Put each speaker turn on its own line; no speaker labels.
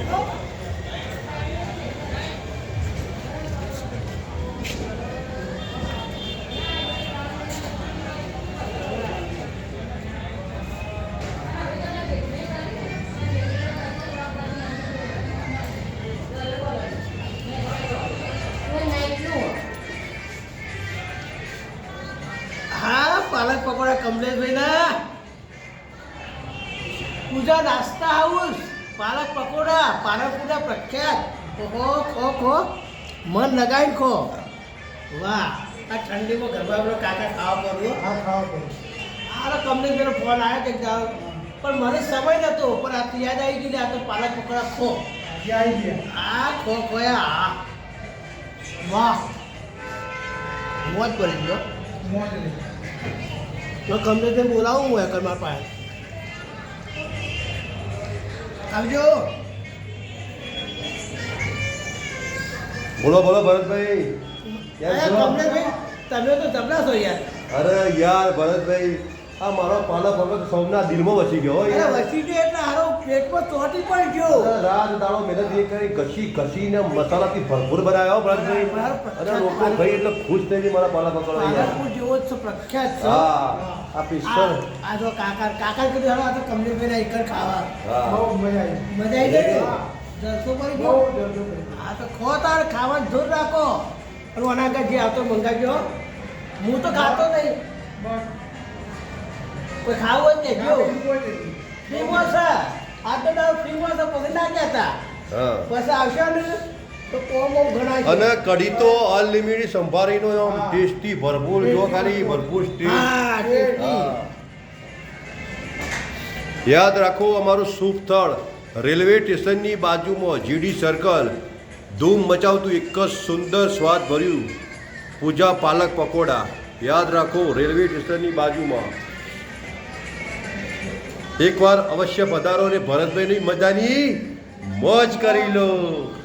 પાલક પકોડા કમલેશભાઈ ના પૂજા નાસ્તા હાઉસ પાલક પકોડા પ્રખ્યાત ઓહો ખો ખો મન લગાવીને ખો વાહ આ ઠંડીમાં ગરબા આપણો કાકા ખાવા પડ્યો
હા ખાવા પડે.
કમલેશભાઈનો ફોન આવ્યો કે જાઓ પણ મને સમય નહોતો પણ આ તો યાદ આવી ગયું ને આ તો પાલક પકોડા ખો
આજે આવી ગયા.
આ ખો ખોયા હા વાહ મોજ પડી ગયો
મોજ લઈ.
તો કમલેશને બોલાવું હું એકર મારા પાસે આવજો
બોલો બોલો ભરતભાઈ કેમ છો?
કમલેશભાઈ તમે તો જબરા છો યાર
અરે યાર ભરતભાઈ આ મારો પાલક પકોડો સૌના દિલમાં વસી ગયો હો
અરે
યાર.
વસી ગયો એટલે હારો પેટમાં ચોટી પણ ગયો
અરે રાત દાડો મહેનત એ કરી ઘસીને મસાલાથી ભરપૂર બનાવ્યો હો ભરતભાઈ. અરે લોકો ભાઈ એટલે ખુશ થઈ ગઈ મારા પાલક પકોડો યાર.
પાલકપુર જેવો જ છે પ્રખ્યાત છે
હા આ પિસ્તોલ
આ જો કાકા કીધું હાલો આ તો કમલેશભાઈ એકર ખાવા
હા
બહુ મજા આવી.
મજા આવી ગઈ
હા.
જલસો પડી
બહુ
ગયો
જબરદસ્ત પડી.
આ તો ખો તાર ખાવાનું જોર રાખો અને અનાગત જે આવતો મંગાવજો હું તો ખાતો નહીં
બસ.
કોઈ ખાવું જ નહીં જો
બીજું કોઈ નથી.
ફ્રીમાં છે આ તો તાર ફ્રીમાં છે પછી ના કહેતા
હા
પછી આવશે ને તો કોમ ઘણા છે.
અને કઢી તો અનલિમિટેડ સંભાળીનો આમ ટેસ્ટી ભરપૂર જો ખાલી ભરપૂર ટેસ્ટ
હા ટેસ્ટી.
હા. યાદ રાખો અમારું શુભ સ્થળ રેલવે સ્ટેશનની બાજુમાં જીડી સર્કલ ધૂમ મચાવતું એક જ સુંદર સ્વાદ ભર્યું પૂજા પાલક પકોડા યાદ રાખો રેલવે સ્ટેશનની બાજુમાં એકવાર અવશ્ય પધારો ને ભરતભાઈની મજાની મોજ કરી લો.